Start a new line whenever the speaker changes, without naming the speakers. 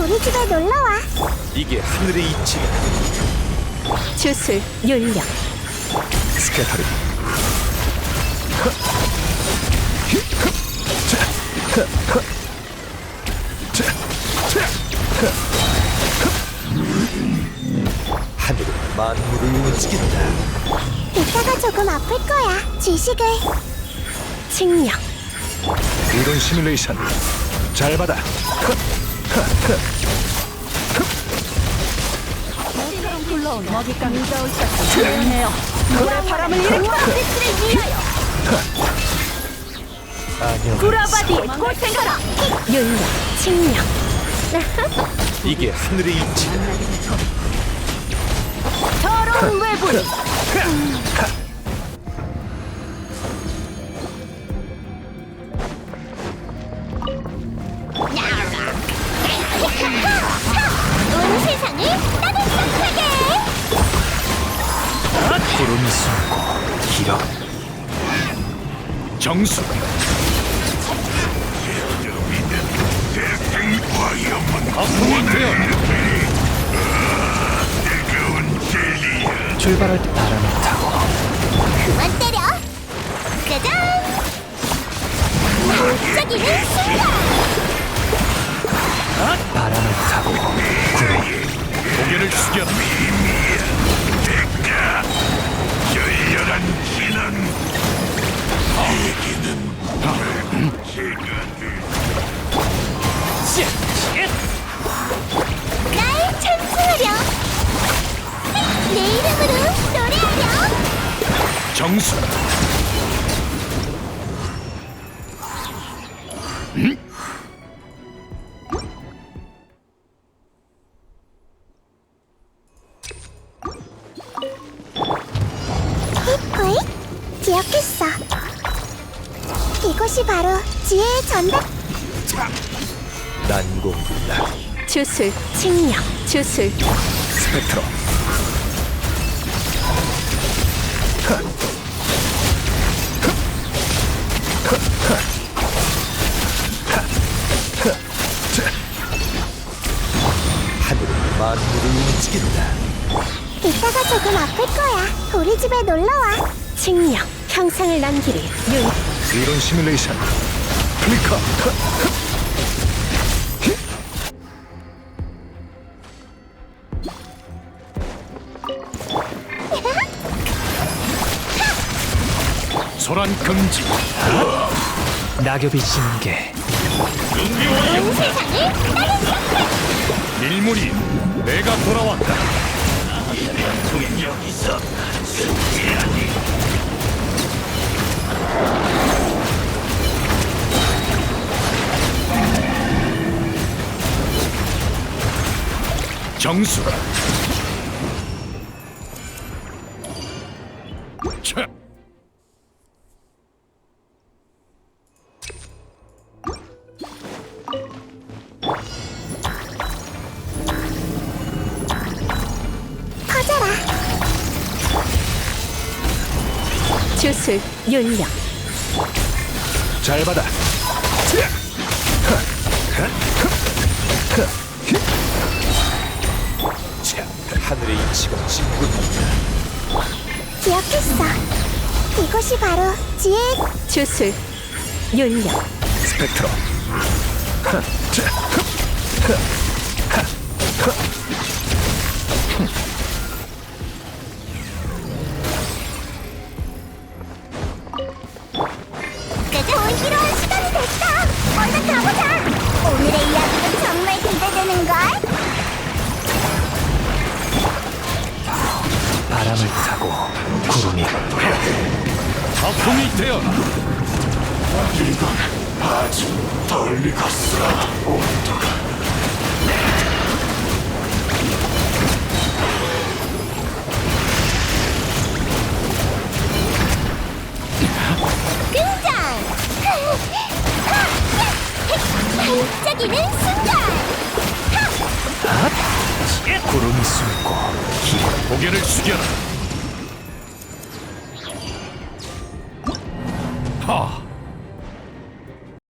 우리 집에 놀러와.
이게 하늘의 이치다.
주술 윤력
스케타르. 하늘은 만물을 움직인다.
이따가 조금 아플 거야. 지식을.
칭령
이론 시뮬레이션 잘 받아.
굴러온 먹잇감이 오셨어. 조용해요. 불의 바람을 일으켜 스를 위하여
안녕.
구라바디에 고생하라. 윤력 칭령
이게 하늘의 이치다.
더러운 외부인
온 세상을 따뜻하게.
구름이 숨고 길어. 정수. 아픔이 되어. 출발할 때 바람을 타고
그만 때려. 짜잔. 반짝이는 순간.
바람을 타고 구름. 고개를 숙여.
열렬한 진한 얘기는
날 찬송하렴. 내 이름으로 노래하렴.
정수.
호잇. 기억했어. 이곳이 바로 지혜의 전당.
난공불락.
주술 칭령 주술
스펙트럼. 하늘은 만물을 움직인다.
이따가 조금 아플 거야. 우리 집에 놀러와.
칭령 형상을 남기리 윤
이론 시뮬레이션 클리커. 소란 금지. 낙엽이 지는 게
온 세상을 따뜻하게.
일물이 내가 돌아왔다. 정수가. 차.
퍼져라.
주술 윤력
잘 받아. 자, 하늘의 이치가 진군한다.
기억했어. 이곳이 바로 지혜의
주술 윤력
스펙트럼.
좋은 필요한 시간이 됐다. 얼른 가보자. 오늘의 이야기는 정말 기대되는걸.
바람을 타고 구름이. 아픔이 되어라.
이건 아주 덜 익었어. 온도가
등장. 반짝이는 순간.
구름이 숨고 길어. 고개를 숙여라. 하.